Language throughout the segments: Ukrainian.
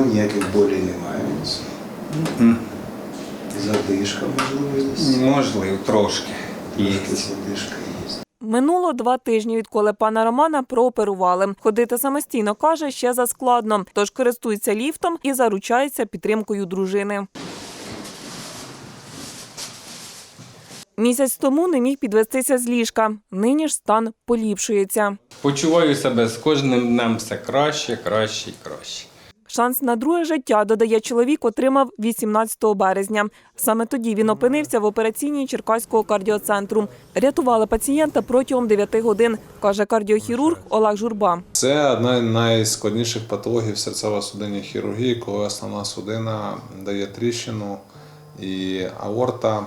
ніяких болей немає. Задишка, можливо, є. Можливо, трошки. Є. Задишка є. Минуло 2 тижні, відколи пана Романа прооперували. Ходити самостійно, каже, ще заскладно. Тож користується ліфтом і заручається підтримкою дружини. Місяць тому не міг підвестися з ліжка. Нині ж стан поліпшується. Почуваю себе з кожним днем все краще, краще і краще. Шанс на друге життя, додає чоловік, отримав 18 березня. Саме тоді він опинився в операційній Черкаського кардіоцентру. Рятували пацієнта протягом 9 годин, каже кардіохірург Олег Журба. Це одна з найскладніших патологій в серцево-судинній хірургії, коли основна судина дає тріщину і аорта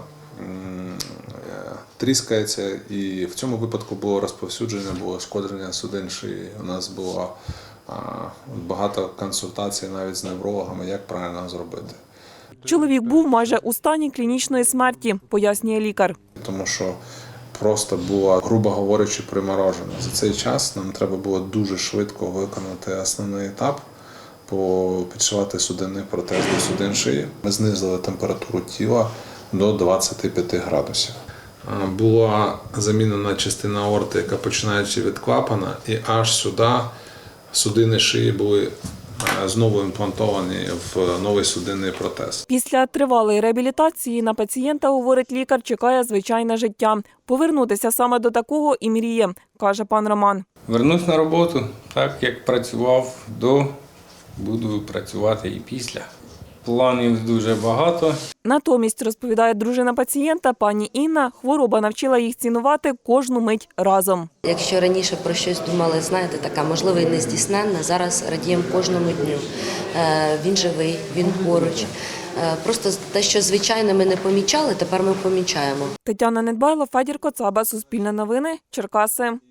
тріскається. І в цьому випадку було розповсюдження, було шкодження судин шиї. У нас було багато консультацій навіть з неврологами, як правильно зробити. Чоловік був майже у стані клінічної смерті, пояснює лікар. Тому що просто було, грубо говорячи, приморожено. За цей час нам треба було дуже швидко виконати основний етап, підшивати судинний протез до судин шиї. Ми знизили температуру тіла до 25 градусів. Була замінена частина аорти, яка починаючи від клапана, і аж сюди судини шиї були знову імплантовані в новий судинний протез. Після тривалої реабілітації на пацієнта, говорить лікар, чекає звичайне життя. Повернутися саме до такого і мріє, каже пан Роман. Вернусь на роботу, так як працював до, буду працювати і після. Планів дуже багато. Натомість, розповідає дружина пацієнта, пані Інна, хвороба навчила їх цінувати кожну мить разом. Якщо раніше про щось думали, знаєте, така можливо і нездійсненна, зараз радіємо кожному дню. Він живий, він поруч. Просто те, що звичайно ми не помічали, тепер ми помічаємо. Тетяна Недбайло, Федір Коцаба, Суспільне новини, Черкаси.